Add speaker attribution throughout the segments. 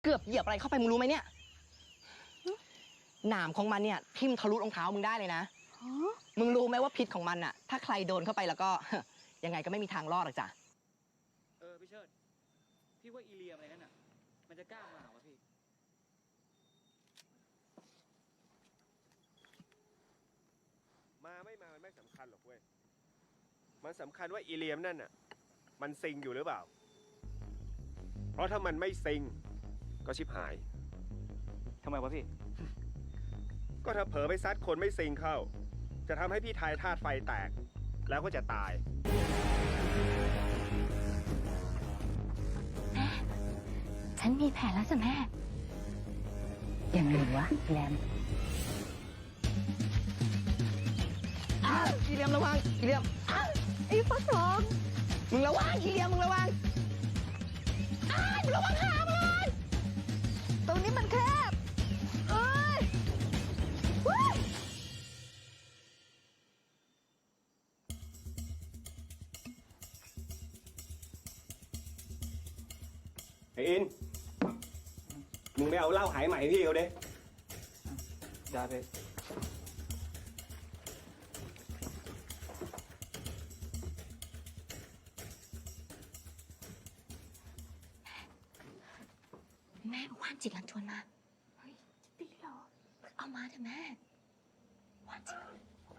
Speaker 1: เกือบเหยียบอะไรเข้าไปมึงรู้ไหมเนี่ยหนามของมันเนี่ยทิ่มทะลุรองเท้ามึงได้เลยนะมึงรู้ไหมว่าพิษของมันอะถ้าใครโดนเข้าไปแล้วก็ ยังไงก็ไม่มีทางรอดหรอกจ้ะ
Speaker 2: พี่เชิดพี่ว่าอีเลียมอะไรนั่นอ่ะมันจะกล้ามาวะพี่
Speaker 3: มาไม่มามันไม่สำคัญหรอกเว้ยมันสำคัญว่าอีเลียมนั่นน่ะมันซิงอยู่หรือเปล่าเพราะถ้ามันไม่ซิงก็ชิบหาย
Speaker 2: ทำไมวะพี่
Speaker 3: ก็ถ้าเผลอไปซัดคนไม่ซิงเข้าจะทำให้พี่ทายธาตุไฟแตกแล้วก็จะตาย
Speaker 4: แม่ฉันมีแผนแล้วจ้ะแม่ยังไงวะแรม
Speaker 1: อีเลียมระวังอีเลียมไอ้ฟักทองมึงระวังอีเลียมมึงระวังมึงระวังขามึงเลยตรงนี้มันแคบเอ้ย
Speaker 3: ไอ้อินมึงไม่เอาเหล้าหายใหม่พี่เขาเด้
Speaker 2: ได้พี่
Speaker 4: แม่ว่านจิตลันชวนมาเฮ้ยจะตีเหรอเอามาเถอะแม่ว่านจิต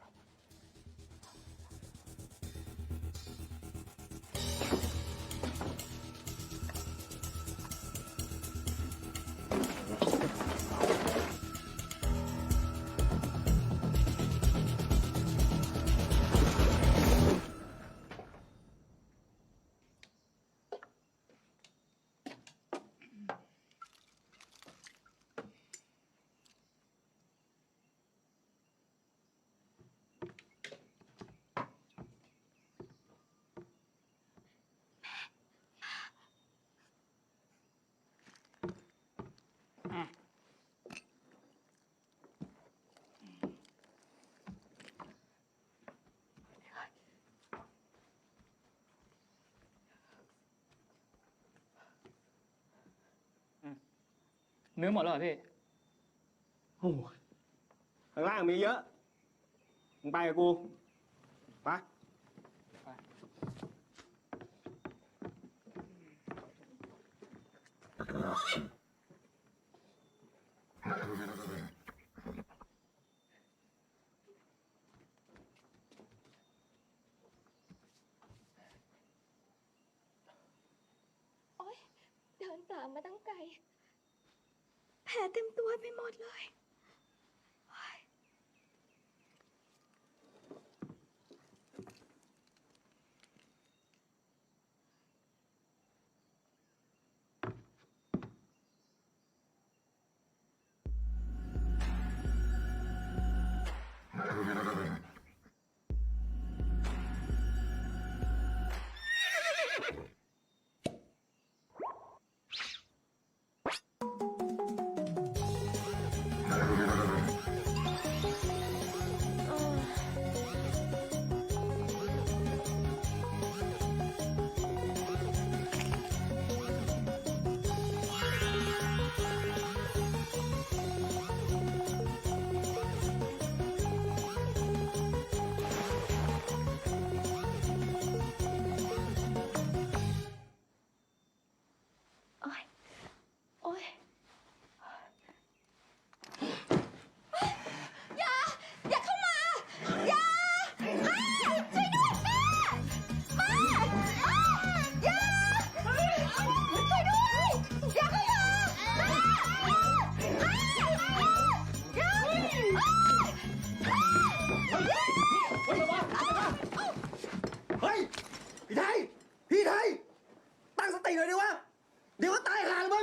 Speaker 2: เนื้อหมดแล้วเหรอพี่
Speaker 3: โอ้ข้างล่างมีเยอะมึงไปกับกูไป
Speaker 4: โอ๊ยเดินตามมาตั้งไกลแผลเต็มตัวไปหมดเลย
Speaker 3: เฮ้ยพี่ไทยพี่ไทยตั้งสติหน่อยดิวะเดี๋ยวก็ตายห่าเลยมึง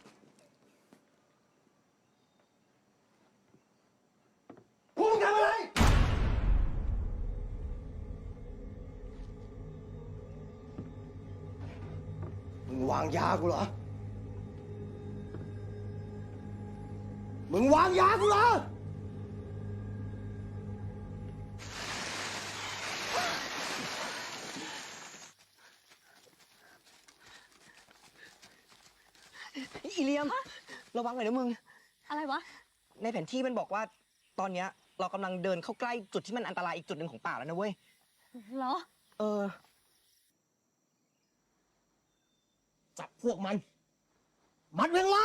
Speaker 3: พวกมึงทำอะไรมึงวางยากูเหรอมึงวางยากูเหรอ
Speaker 1: อีเลีย
Speaker 5: ยม ระวังหน่อยนะมึง
Speaker 1: อะไรวะ
Speaker 5: ในแผนที่มันบอกว่า ตอนเนี้ยเรากำลังเดินเข้าใกล้จุดที่มันอันตรายอีกจุดหนึ่งของป่าแล้วนะเว้ย
Speaker 1: เหรอ
Speaker 5: เออ จับพวกมัน มัดเวงล่าง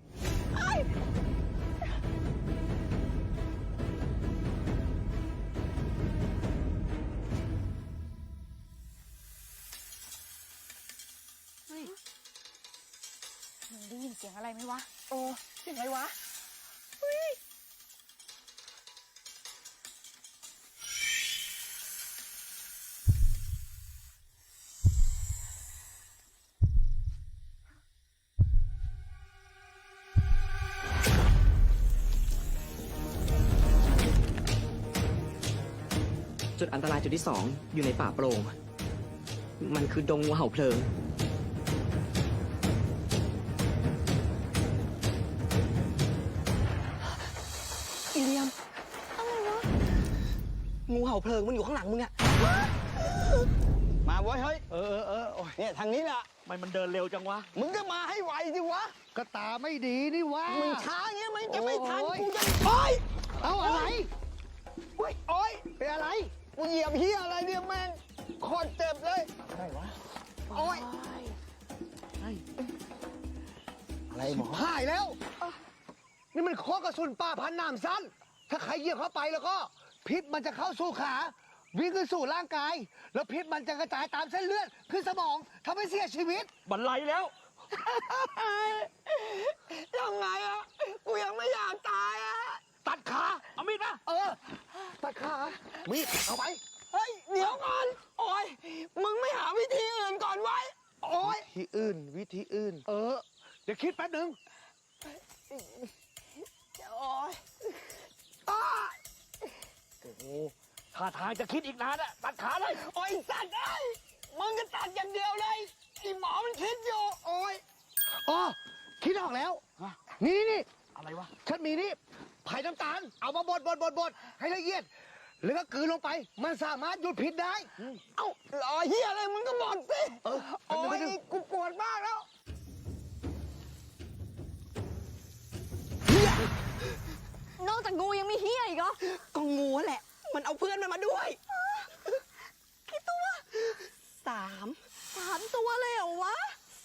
Speaker 1: เฮ้ยมึงได้ยินเสียงอะไรไหมวะ
Speaker 5: โอ้เสียงอะไรวะ จุดอันตรายจุดที่ 2 อยู่ในป่าโปร่ง มันคือดงงูเห่าเพลิง อีเลียม
Speaker 1: อะไรวะ
Speaker 5: งูเห่าเพลิงมันอยู่ข้างหลังมึงอะ
Speaker 6: มาเว้ยเฮ้ย โอ้ยเนี่ยทางนี้แหละ
Speaker 2: มันเดินเร็วจังวะ
Speaker 6: มึงก็มาให้ไวสิวะ
Speaker 7: ก็ตาไม่ดีนี่วะ
Speaker 6: มึงช้าเงี้ยมันจะไม่ทัน
Speaker 7: โอ้ย
Speaker 6: กูจะโอ้ย
Speaker 7: เอาอะไร
Speaker 6: โอ้ยโอ้ย
Speaker 7: เป็นอะไร
Speaker 6: กูเหยียบเฮียอะไรเนี่ยแม่งโคตรเจ็บเลย
Speaker 7: อะไรวะ
Speaker 6: โอ้ย
Speaker 7: อะไรหมอหายแล้ว นี่มันข้อกระสุนป่าพันหนามสั้น ถ้าใครเหยียบเข้าไปแล้วก็ พิษมันจะเข้าสู่ขา วิ่งขึ้นสู่ร่างกาย แล้วพิษมันจะกระจายตามเส้นเลือดขึ้นสมองทำให้เสียชีวิต
Speaker 2: บันไลแล้ว
Speaker 6: ยังไงอะกูยังไม่อยากตายอะ
Speaker 7: ตัดขา เอามีดมาตัดขา มีดเอาไป
Speaker 6: เฮ้ยเดี๋ยวก่อนโอ้ยมึงไม่หาวิธีอื่นก่อนไว้โอ้ย
Speaker 7: วิธีอื่น วิธีอื่น เดี๋ยวคิดแป๊บหนึ่ง
Speaker 6: โอ้ยอ้า
Speaker 7: โอ้โหท่าทางจะคิดอีกนานอะตัดขาเลย
Speaker 6: โอ้ยสัตว์เอ้ยมึงก็ตัดอย่างเดียวเลยไอ้หมอมันคิดอยู่โอ้ย
Speaker 7: อ๋อ คิดออกแล้ว นี่
Speaker 2: อะไรวะ
Speaker 7: ฉันมีนี่ไผ่น้ำตาล เอามาบดให้ละเอียด แล้วก็กลืนลงไป มันสามารถหยุดพิษได้
Speaker 6: เอ้าหล่อเฮียอะไรมึงก็บอกสิ
Speaker 7: เออ
Speaker 6: โอ้ยกูปวดมากแล้ว
Speaker 1: นอกจากงูยังมีเฮียอีกเหรอ
Speaker 5: ก็งูแหละ มันเอาเพื่อนมันมาด้วย
Speaker 1: กี่ตัว
Speaker 5: 3
Speaker 1: 3 ตัวเลยเหรอวะ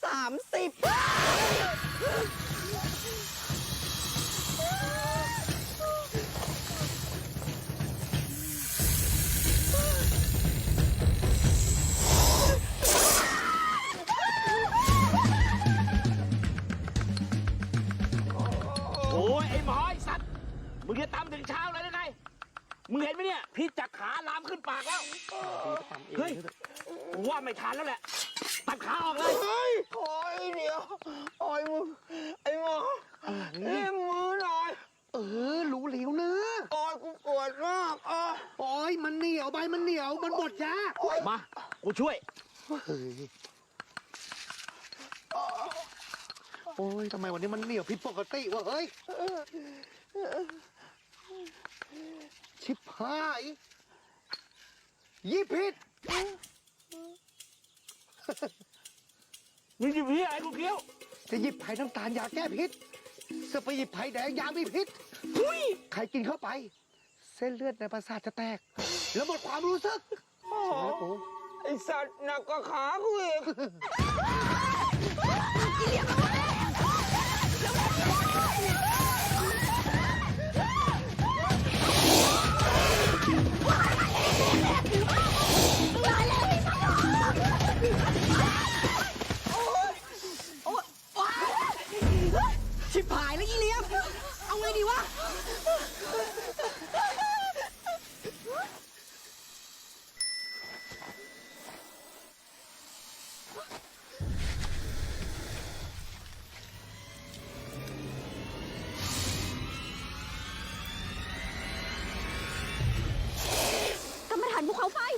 Speaker 5: 30
Speaker 2: โอ้ยไอ้หมอไอ้สัตว์ มึงจะตามถึงเช้าเลยได้ไง มึงเห็นไหมเนี่ย พิษจากขาลามขึ้นปากแล้ว เฮ้ยกูว่าไม่ทันแล้วแหละ ตัดขาออกเลย
Speaker 6: เฮ้ยโอ้ยเดี๋ยวโอ้ยมึงไอ้หมอเล่มมือหน่อย
Speaker 7: รู้เหลียวเนื้อ
Speaker 6: โอ้ยกูปวดมากอ๋อ
Speaker 7: โอ้ยมันเหนียวใบมันเหนียว มันบดยาก
Speaker 2: มา กูช่วย
Speaker 7: เฮ้ยโอ้ยทำไมวันนี้มันเหนียวผิดปกติวะเฮ้ย ชิบหายยี่ผิด
Speaker 2: มึงจะพี่อะไรกูเคี้ยว
Speaker 7: จะหยิบไผ่น้ำตาลยาแก้พิษจะไปหยิบไผ่แดงยามีพิษใครกินเข้าไป เส้นเลือดในประสาทจะแตก แล้วหมดความรู้สึก
Speaker 6: โอ้โหไอ้สัตว์หนักกว่าขากูอีก
Speaker 5: ชิบหายแล้วอีเลียม เอาไงดีวะ
Speaker 1: กรรมฐานภูเขาไฟ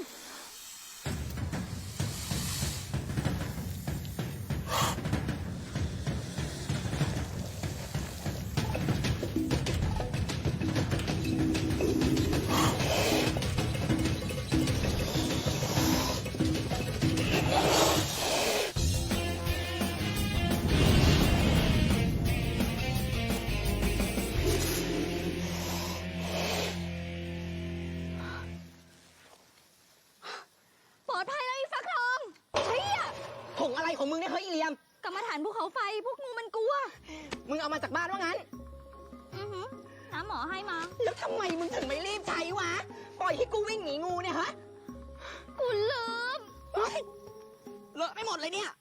Speaker 4: รมฐานภูเขาไฟ พวกงูมันกลัว
Speaker 5: มึงเอามาจากบ้านว่างั้น
Speaker 4: อือหือน้าหมอให้มา
Speaker 5: แล้วทำไมมึงถึงไม่รีบใช้วะ ปล่อยให้กูวิ่งหนีงูเนี่ยฮะ
Speaker 4: กูลืม
Speaker 5: เฮ้ยเลอะไม่หมดเลยเนี่ย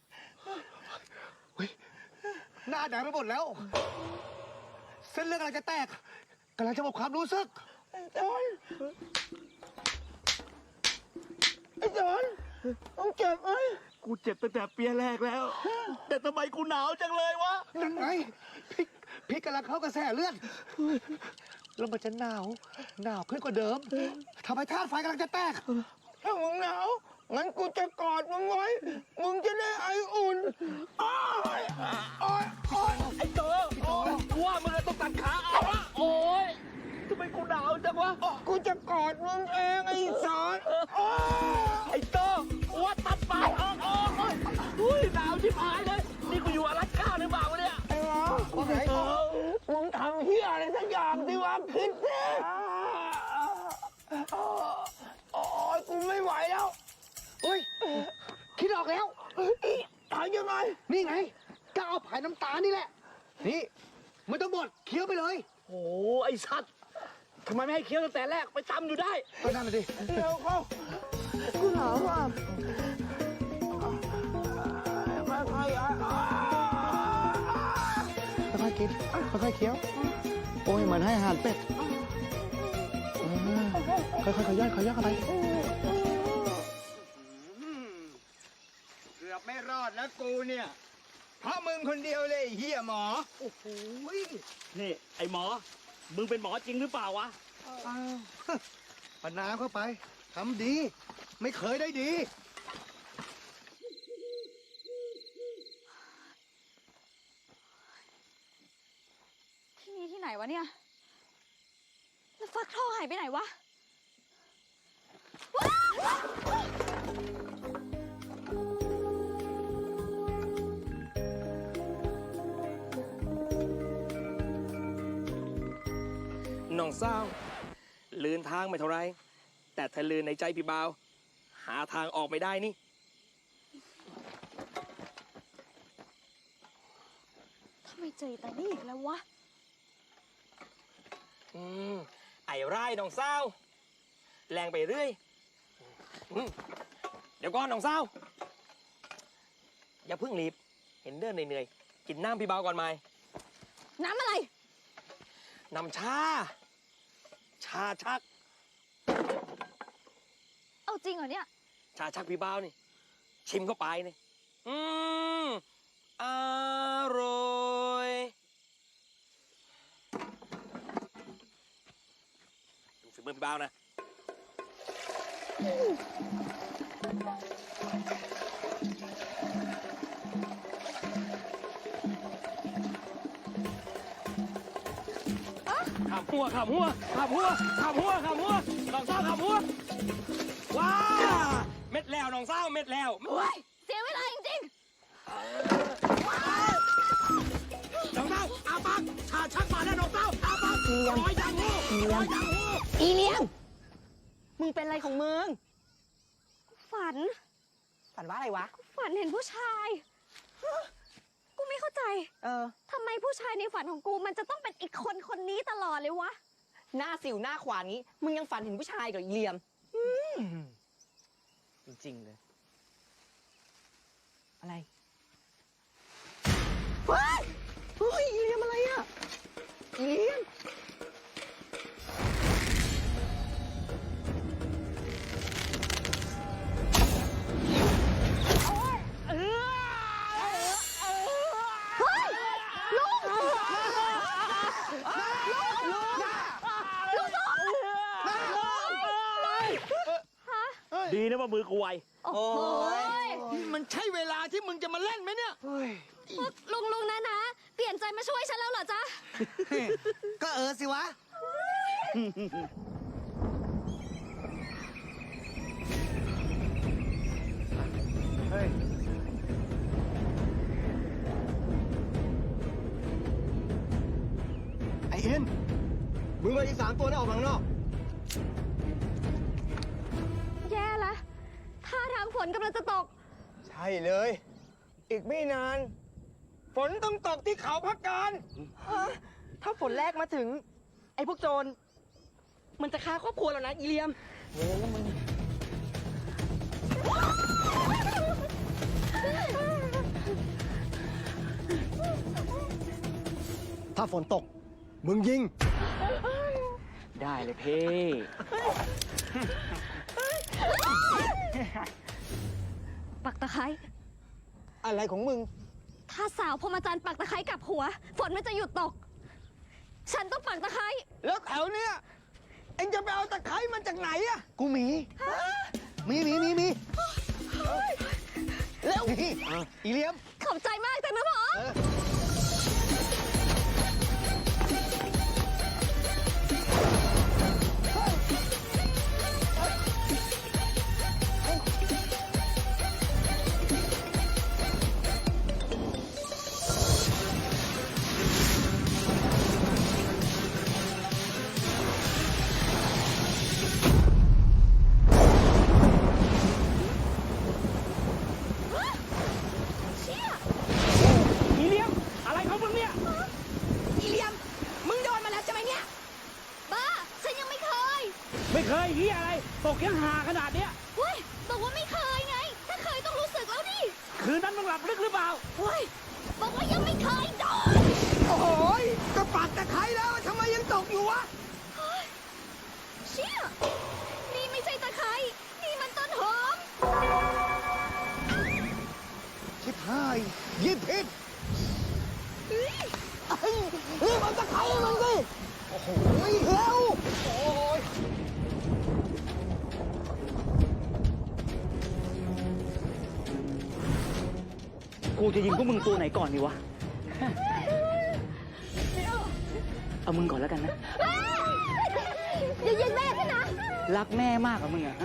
Speaker 7: หน้าแดงไปหมดแล้ว เส้นเลือดกำลังจะแตกกำลังจะหมดความรู้สึกไอ้จอนต้องเจ็บไหม
Speaker 2: กูเจ็บตั้งแต่เปียแรกแล้ว แต่ทำไมกูหนาวจังเลยวะ
Speaker 7: นั่นไงพี่กำลังเข้ากระแสเลือดแล้วมันจะหนาวขึ้นกว่าเดิมทำให้ธาตุไฟกำลังจะแตกถ้ามึงหนาวงั้นกูจะกอดมึงไว้มึงจะได้ไออุ่นอ้ายอ้ายอ้าย
Speaker 2: ไอ้เต๋อกูว่ามึงต้องตัดขาเอาวะโอ้ยทำไมกูหนาวจังวะ
Speaker 7: กูจะกอดมึงเองไอ้สอนอ้าย
Speaker 2: ไอ้เต๋อกูว่าตัดปากออกอุ้ยหนาวชิบหายเลย นี่กูอยู่อลาสก้าหรือเปล่าวะเนี่ย
Speaker 7: ไอ้หมอว่าไงมึงทำเฮียอะไรสักอย่างสิวะคิดสิโอ้ยกูไม่ไหวแล้วเฮ้ยคิดออกแล้วหายยังไงนี่ไงก็เอาผายน้ำตาลนี่แหละนี่ไม่ต้องบดเคี้ยวไปเลย
Speaker 2: โอ้ไอ้สัตว์ทำไมไม่ให้เคี้ยวตั้งแต่แรกไปตำอยู่ได้
Speaker 7: ก็นั่นน่ะดิเร็วเข้ากูหนาวอ่ะค่อยๆกินค่อยๆเคี้ยวโอ้ยเหมือนให้อาหารเป็ดค่อยๆขย่อยเข้าไป
Speaker 6: เกือบไม่รอดแล้วกูเนี่ย เพราะมึงคนเดียวเลยไอ้เฮียหมอ
Speaker 7: โอ้โห
Speaker 2: นี่ไอ้หมอ มึงเป็นหมอจริงหรือเปล่าวะ
Speaker 7: อ้าวปนน้ำเข้าไปทำดี ไม่เคยได้ดี
Speaker 4: ที่นี่ที่ไหนวะเนี่ย แล้วฟักทองหายไปไหนวะ
Speaker 8: น้องสาวลืนทางไม่เท่าไร แต่ถ้าลืนในใจพี่บ่าว หาทางออกไม่ได้นี่
Speaker 4: ทำไมเจอแต่นี่อีกแล้ววะ
Speaker 8: ไอ้ไร่น้องสาวแรงไปเรื่อยเดี๋ยวก่อนน้องสาวอย่าเพิ่งรีบ เห็นเดินเหนื่อยๆกินน้ำพี่บ่าวก่อนไหม
Speaker 4: น้ำอะไร
Speaker 8: น้ำชาชัก
Speaker 4: เอาจริงเหรอเนี่ย
Speaker 8: ชาชักพี่บ่าวนี่ ชิมเข้าไปนี่อร่อยดูฝีมือพี่บ่าวนะ ขับหัวน้องสาวขับหัว ว้า เม็ดแล้วน้องสาวเม็ดแล้ว
Speaker 4: โอ้ย เสียเวลาจริง
Speaker 8: น้องสาวอาปากชาชักมาแล้วน้องสาวอาปากร้อยยางหูร้อยยางหู
Speaker 5: อีเลียม มึงเป็นอะไรของมึง
Speaker 4: ๆ ฝัน
Speaker 5: ฝันว่าอะไรวะ
Speaker 4: ฝันเห็นผู้ชาย กูไม่เข้าใจ ทำไมผู้ชายในฝันของกูมันจะต้องเป็นอีกคนคนนี้ตลอดเลยวะ
Speaker 5: หน้าสิวหน้าขวานงี้ มึงยังฝันเห็นผู้ชายกับอีเลียม จริงๆเลย อะไร เฮ้ย อีเลียมอะไรอ่ะ อีเลียม
Speaker 2: ดีนะว่ามือกูไว
Speaker 4: โอ้ย
Speaker 6: มันใช่เวลาที่มึงจะมาเล่นไหมเนี่ย
Speaker 4: ลุงนะ เปลี่ยนใจมาช่วยฉันแล้วเหรอจ๊ะ
Speaker 7: ก็สิวะ เฮ้ย ไอเอ็นมึงเอาอีก3 ตัวนั้นออกมาข้างนอก
Speaker 4: แย่ละท่าทางฝนกำลังจะตก
Speaker 6: ใช่เลย อีกไม่นาน
Speaker 5: ฝนต้องตกที่เขาพักการถ้าฝนแรกมาถึง ไอ้พวกโจร มันจะฆ่าครอบครัวเรานะอีเลียม
Speaker 7: ถ้าฝนตก มึงยิง
Speaker 2: ได้เลยเพ่
Speaker 4: ปักตะไคร้
Speaker 7: อะไรของมึง
Speaker 4: ถ้าสาวพรหมจันทรย์ปักตะไคร้กลับหัว ฝนมันจะหยุดตก ฉันต้องปักตะไคร้
Speaker 7: แล้วแถวเนี้ยเอ็งจะไปเอาตะไคร้มันจากไหนอะกูมีแล้วอีเลียม
Speaker 4: ขอบใจมากจังนะพ่อ
Speaker 2: อีเลียม อะไรของมึงเนี่ย
Speaker 5: อีเลียม มึงโดนมาแล้วใช่ไหมเนี่ย
Speaker 4: บ้า ฉันยังไม่เคย
Speaker 2: ไม่เคยเฮียอะไร ตกยังหาขนาดเนี้ย
Speaker 4: เฮ้ยบอกว่าไม่เคยไง ถ้าเคยต้องรู้สึกแล้วดิ
Speaker 2: คืนนั้นมึงหลับลึกหรือเปล่า
Speaker 4: เฮ้ย บอกว่ายังไม่เคยโดน
Speaker 7: โอ้โหยก็ปักตะไคร้แล้วทำไมยังตกอยู่วะ
Speaker 4: เชี่ย นี่ไม่ใช่ตะไคร้ นี่มันต้นหอม
Speaker 7: ชิบหายยิบผิดรีบเอาตะไคร้มันสิโอ้โหเร็วโอ้ย
Speaker 2: กูจะยิงพวกมึงตัวไหนก่อนดีวะ เอามึงก่อนแล้วกันนะ
Speaker 4: อย่ายิงแม่ฉันนะ
Speaker 2: รักแม่มากกว่ามึงอะฮะ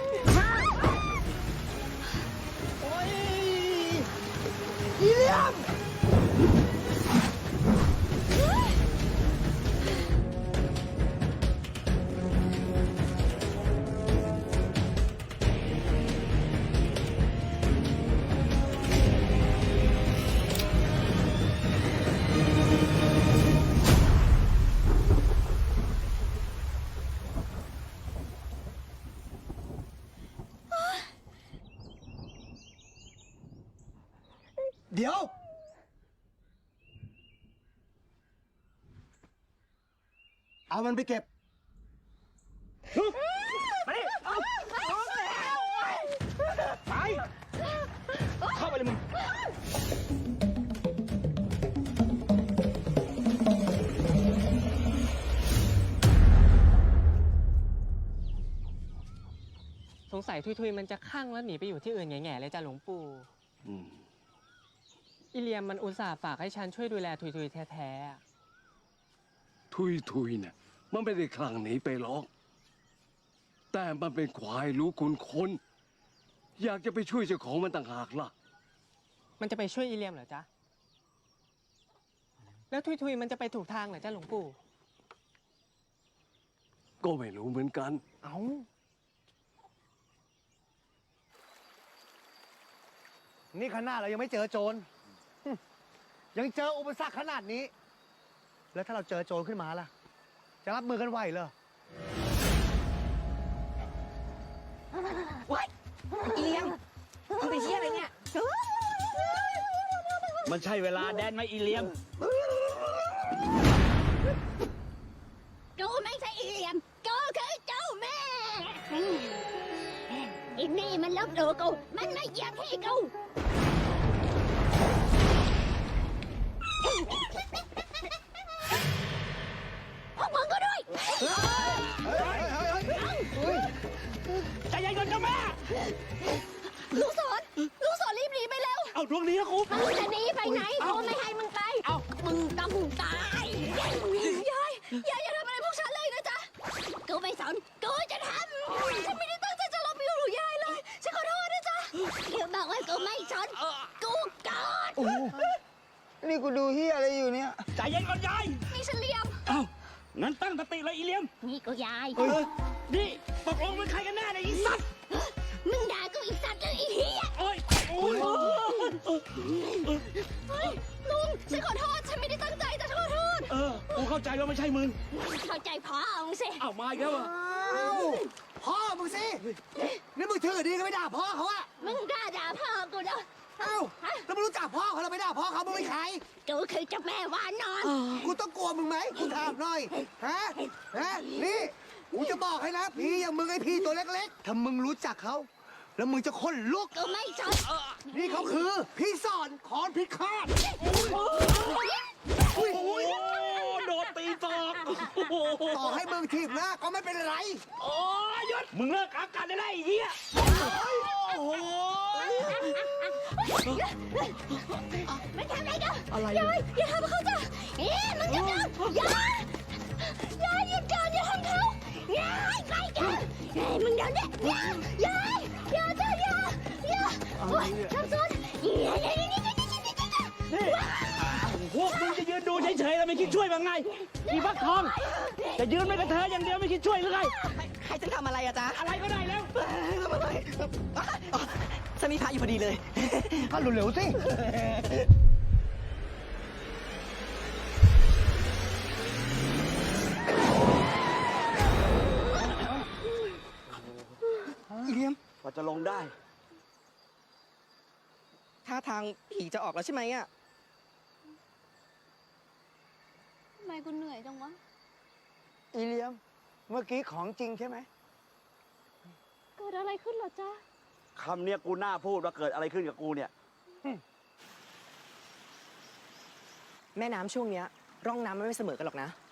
Speaker 7: อีเลียม เดี๋ยว เอามันไปเก็บ
Speaker 2: ไป เข้าไปเลยมึง
Speaker 5: สงสัยทุยๆมันจะข้างแล้วหนีไปอยู่ที่อื่นแง่ๆเลยจ้ะหลวงปู่ อีเลียมมันอุตส่าห์ฝากให้ฉันช่วยดูแลทุยๆแท้ๆอะ
Speaker 9: ทุยเนี่ยมันไม่ได้คลั่งหนีไปหรอก แต่มันเป็นควายรู้คุณคน อยากจะไปช่วยเจ้าของมันต่างหากล่ะ
Speaker 5: มันจะไปช่วยอีเลียมเหรอจ๊ะ แล้วทุยๆมันจะไปถูกทางเหรอจ้ะหลวงปู่
Speaker 9: ก็ไม่รู้เหมือนกัน
Speaker 5: เอ้า
Speaker 7: นี่ขนาดเรายังไม่เจอโจร ยังเจออุปสรรคขนาดนี้ แล้วถ้าเราเจอโจรขึ้นมาล่ะ จะรับมือกันไหวเหรอ
Speaker 5: อีเลียมมึงไปเชี่ยอะไรเนี่ย
Speaker 2: มันใช่เวลาแดนไหมอีเลียม
Speaker 4: กูไม่ใช่อีเลียม กูคือเจ้าแม่อีนี่มันลบหลู่กู มันไม่เหยียบที่กู พวกมึงก็ด้วย
Speaker 2: ใจเย็นก่อนเจ้าแม่
Speaker 4: ลูกศรรีบหนีไปแล้ว
Speaker 2: เอาดวงนี้นะครู
Speaker 4: มึงจะหนีไปไหนกูไม่ให้มึงไป มึงต้องตายยายอย่าทำอะไรพวกฉันเลยนะจ๊ะ กูไม่สน กูจะทำ ฉันไม่ได้ตั้งใจจะลบหลู่ยายเลย ฉันขอโทษนะจ๊ะอย่าบอกว่ากูไม่สน กูกอด
Speaker 6: นี่กูดูเฮียอะไรอยู่เนี่ย
Speaker 2: ใจเย็นก่อนยาย
Speaker 4: นี่ฉันเลียม
Speaker 2: เอ้า งั้นตั้งสติเลยอีเลียม
Speaker 4: นี่กูยาย
Speaker 2: นี่ตกลงเป็นใครกันแน่เนี่ยอีสัตว์
Speaker 4: มึงด่ากูอีสัตว์หรืออีเหี้ย
Speaker 2: โอ้ย โอ้ย
Speaker 4: ลุง ฉันขอโทษ ฉันไม่ได้ตั้งใจแต่ฉันขอโทษ
Speaker 2: กูเข้าใจว่าไม่ใช่มึง
Speaker 4: เข้าใจพ่อมึงสิ
Speaker 2: เอามาอีกแล้วเหรอ
Speaker 7: พ่อมึงสิ นี่มึงถือดีก็ไม่ด่าพ่อเขาอะ
Speaker 4: มึงกล้าด่าพ่อกูเด้อ
Speaker 7: เอ้าแล้วมึงรู้จักพ่อเขาแล้วไม่ด่าพ่อเขามึงเป็นใคร
Speaker 4: กูคือเจ้าแม่วานอน
Speaker 7: กูต้องกลัวมึงไหมกูถามหน่อย ฮะ นี่กูจะบอกให้นะ พี่อย่างมึงไอพี่ตัวเล็กๆ ถ้ามึงรู้จักเขา แล้วมึงจะขนลุก
Speaker 4: กูไม่สน
Speaker 7: นี่เขาคือ พี่สอนคอนพิฆาต
Speaker 2: โอ้โดนตีตอกโอ้โห
Speaker 7: ต่อให้มึงถีบหน้าก็ไม่เป็นไร
Speaker 2: โอ้ยหยุดมึงเลิกอาการได้แล้วไอ้เหี้ย
Speaker 7: โอ้โห
Speaker 4: มันทำอะไรกันยายอย่าทำเขาจ้ะมึงจะทำยายหยุดก่อนอย่าทำเขายายไปกันมึงเดี๋ยวนี้ยายอย่าจ้ะอย่าโอ้ยทำซ้อนนี่
Speaker 2: พวกมึงจะยืนดูเฉยๆแล้วไม่คิดช่วยบ้างไงอีฟักทองจะยืนไม่กระเทยอย่างเดียวไม่คิดช่วยหรือไง
Speaker 5: ใครจะทำอะไรอะจ๊ะ
Speaker 2: อะไรก็ได้แล้ว
Speaker 5: ฉันมีพระอยู่พอดีเลย
Speaker 7: ก็เร็วๆสิ
Speaker 5: อีเลียม
Speaker 2: กว่าจะลงได้
Speaker 5: ท่าทางผีจะออกแล้วใช่ไหมอะ
Speaker 4: ทำไมกูเหนื่อยจังวะ
Speaker 7: อีเลียม เมื่อกี้ของจริงใช่ไหม
Speaker 4: เกิดอะไรขึ้นเหรอจ๊ะ
Speaker 2: คำเนี้ยกูน่าพูดว่าเกิดอะไรขึ้นกับกูเนี่ย
Speaker 5: แม่น้ำช่วงเนี้ยร่องน้ำมันไม่เสมอกันหรอกนะ